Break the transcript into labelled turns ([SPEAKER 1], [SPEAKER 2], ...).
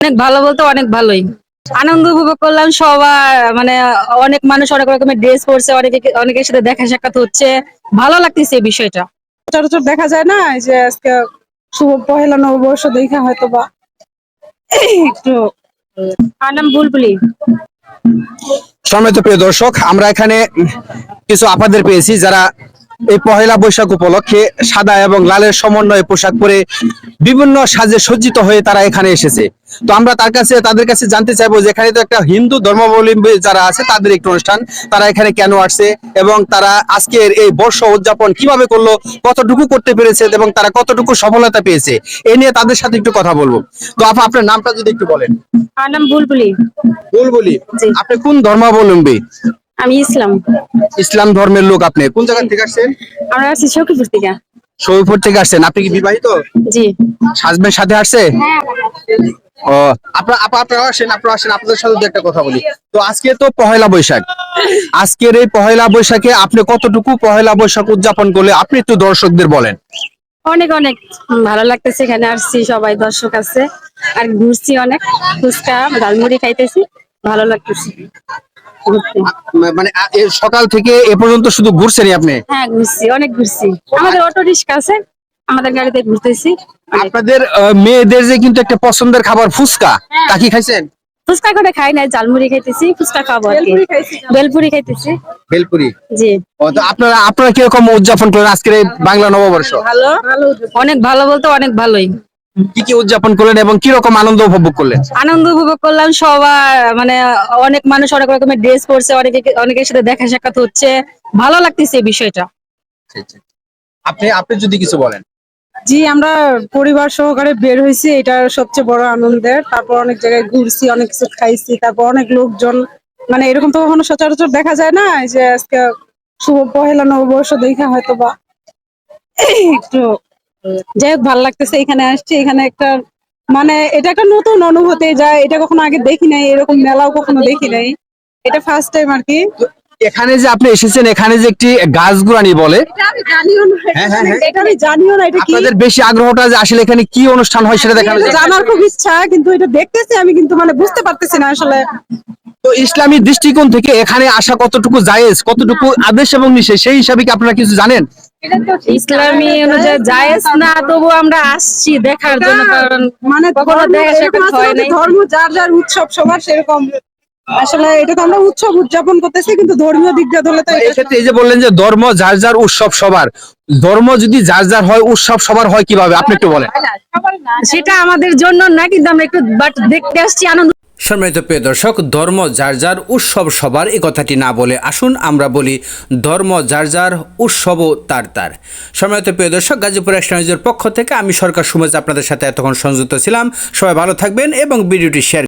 [SPEAKER 1] অনেক ভালো বলতে অনেক ভালোই আনন্দ উপভোগ করলাম। সবার মানে অনেক মানুষ অনেক রকমের ড্রেস পরছে, অনেকের সাথে দেখা সাক্ষাৎ হচ্ছে, ভালো লাগতেছে এই বিষয়টা।
[SPEAKER 2] সচরাচর দেখা যায় না, এই যে আজকে শুভ পহেলা নববর্ষ দেখা হয়তো বা একটু
[SPEAKER 1] আমার নাম বুলবুলি।
[SPEAKER 3] সম্মানিত প্রিয় দর্শক, আমরা এখানে কিছু আপাদের পেয়েছি যারা এই পহেলা বৈশাখ উপলক্ষে সাদা এবং লালের সমন্বয়ে পোশাক পরে বিভিন্ন সাজে সজ্জিত হয়ে তারা এখানে এসেছে। তো আমরা তাদের কাছে জানতে চাইবো যে এখানে তো একটা হিন্দু ধর্মাবলম্বী যারা আছে তাদের একটি অনুষ্ঠান, তারা এখানে কেন আসছে এবং তারা আজকের এই বর্ষ উদযাপন কিভাবে করলো, কতটুকু করতে পেরেছে এবং তারা কতটুকু সফলতা পেয়েছে, এ নিয়ে তাদের সাথে একটু কথা বলবো। তো আপা, আপনার নামটা যদি একটু বলেন।
[SPEAKER 1] আমার নাম বুলবুলি।
[SPEAKER 3] বুলবুলি,
[SPEAKER 1] জি।
[SPEAKER 3] আপনি কোন ধর্মাবলম্বী?
[SPEAKER 1] আমি ইসলাম।
[SPEAKER 3] ইসলাম ধর্মের লোক। আপনি কোন জায়গা থেকে আসছেন?
[SPEAKER 1] আমরা আছি সখীপুর থেকে।
[SPEAKER 3] শরীফপুর থেকে আসছেন। আপনি কি বিবাহিত?
[SPEAKER 1] জি।
[SPEAKER 3] হাজবেন্ড সাথে আসছে? ও, আপনারা আসেন, আপনাদের সাথে দু একটা কথা বলি। তো আজকে তো পহেলা বৈশাখ, আজকের এই পহেলা বৈশাখে আপনি কতটুকু পহেলা বৈশাখ উদযাপন করলে আপনি একটু দর্শকদের বলেন।
[SPEAKER 1] অনেক অনেক ভালো লাগতেছে, এখানে আসছি, সবাই দর্শক আছে, আর ঘুরছি অনেক, ফুচকা ঝালমুড়ি খাইতেছি, ভালো লাগতেছে ঘুরতে।
[SPEAKER 3] মানে সকাল থেকে এ পর্যন্ত শুধু ঘুরছেনই আপনি?
[SPEAKER 1] হ্যাঁ ঘুরছি, অনেক ঘুরছি, আমাদের অটো রিক্সা আছে, আমাদের গাড়িতে ঘুরতেছি অনেক।
[SPEAKER 3] আপনাদের মেয়েদের যে কিন্তু একটা পছন্দের খাবার ফুচকা, তা কি খাইছেন?
[SPEAKER 1] ফুচকা করে খাই নাই, ঝালমুড়ি খাইতেছি, ফুচকা খাবো আর কি, বেলপুরি খাইতেছি।
[SPEAKER 3] ভেলপুরি।
[SPEAKER 1] জি।
[SPEAKER 3] ও, তো আপনারা কিরকম উদযাপন করেন আজকের এই বাংলা নববর্ষ?
[SPEAKER 1] ভালো, অনেক ভালো বলতে অনেক ভালোই।
[SPEAKER 3] কি কি উদযাপন করলেন এবং কিরকম আনন্দ উপভোগ করলেন?
[SPEAKER 1] আনন্দ উপভোগ করলাম। সবার মানে অনেক মানুষ অনেক রকমের ড্রেস পরছে, অনেকের সাথে দেখা সাক্ষাৎ হচ্ছে, ভালো লাগতেছে এই বিষয়টা।
[SPEAKER 3] আপনি যদি কিছু বলেন।
[SPEAKER 2] জি, আমরা পরিবার সহকারে বের হয়েছি, এটা সবচেয়ে বড় আনন্দের। তারপর অনেক জায়গায় ঘুরছি, অনেক কিছু খাইছি, তারপর অনেক লোকজন, মানে এরকম তো কখনো সচরাচর দেখা যায় না, এই যে আজকে শুভ পহেলা নববর্ষ দেখা হয়তো বা একটু যাই হোক ভালো লাগতেছে। এখানে আসছি, এখানে একটা মানে এটা একটা নতুন অনুভূতি, যা এটা কখনো আগে দেখি নাই, এরকম মেলাও কখনো দেখি নাই, এটা ফার্স্ট টাইম আর কি।
[SPEAKER 3] এখানে যে আপনি এসেছেন, এখানে যে একটি গাছগুড়ানি বলে,
[SPEAKER 2] এটা আমি জানিও না,
[SPEAKER 3] হ্যাঁ, হ্যাঁ, হ্যাঁ।
[SPEAKER 2] এটা আমি জানিও না, এটা কি
[SPEAKER 3] আপনাদের বেশি আগ্রহটা যে আসলে এখানে কি অনুষ্ঠান হয় সেটা দেখানো
[SPEAKER 2] এটা
[SPEAKER 3] যায়।
[SPEAKER 2] জানার খুব ইচ্ছা, কিন্তু এটা দেখতেছি আমি, কিন্তু মানে বুঝতে পারতেছি না আসলে।
[SPEAKER 3] তো ইসলামী দৃষ্টিকোণ থেকে এখানে আসা কতটুকু জায়েজ, কতটুকু আদেশ এবং নিষেধ, সেই হিসাবে কি আপনারা কিছু জানেন?
[SPEAKER 1] ইসলামী অনুযায়ী জায়েজ না, তবু আমরা আসছি দেখার জন্য, কারণ
[SPEAKER 2] মানে
[SPEAKER 1] কখনো
[SPEAKER 2] ধর্ম
[SPEAKER 1] দেখা
[SPEAKER 2] এরকম
[SPEAKER 1] সাক্ষাৎ
[SPEAKER 2] আছে
[SPEAKER 1] হয়
[SPEAKER 2] না যে
[SPEAKER 1] নাই।
[SPEAKER 2] ধর্ম যার যার উৎসব সবার সেরকম, আসলে এটা তো আমরা উৎসব উদযাপন করতেছি, কিন্তু ধর্মীয় দিক দিয়ে ধরলে তো এটা
[SPEAKER 3] এক্ষেত্রে এই যে বললেন যে ধর্ম যার যার, উৎসব সবার, ধর্ম যদি যার যার হয়, উৎসব সবার হয় কিভাবে, আপনি একটু বলেন।
[SPEAKER 1] সেটা আমাদের জন্য না, কিন্তু আমরা একটু বাট দেখতে আসছি, আনন্দ।
[SPEAKER 4] সম্মানিত প্রিয় দর্শক, ধর্ম যার যার, উৎসব সবার, এই কথাটি না বলে আসুন আমরা বলি ধর্ম যার যার, উৎসবও তার তার। সম্মানিত প্রিয় দর্শক, গাজীপুর এক্সট্রা নিউজের পক্ষ থেকে আমি সরকার সুমেজ আপনাদের সাথে এতক্ষণ সংযুক্ত ছিলাম। সবাই ভালো থাকবেন এবং ভিডিওটি শেয়ার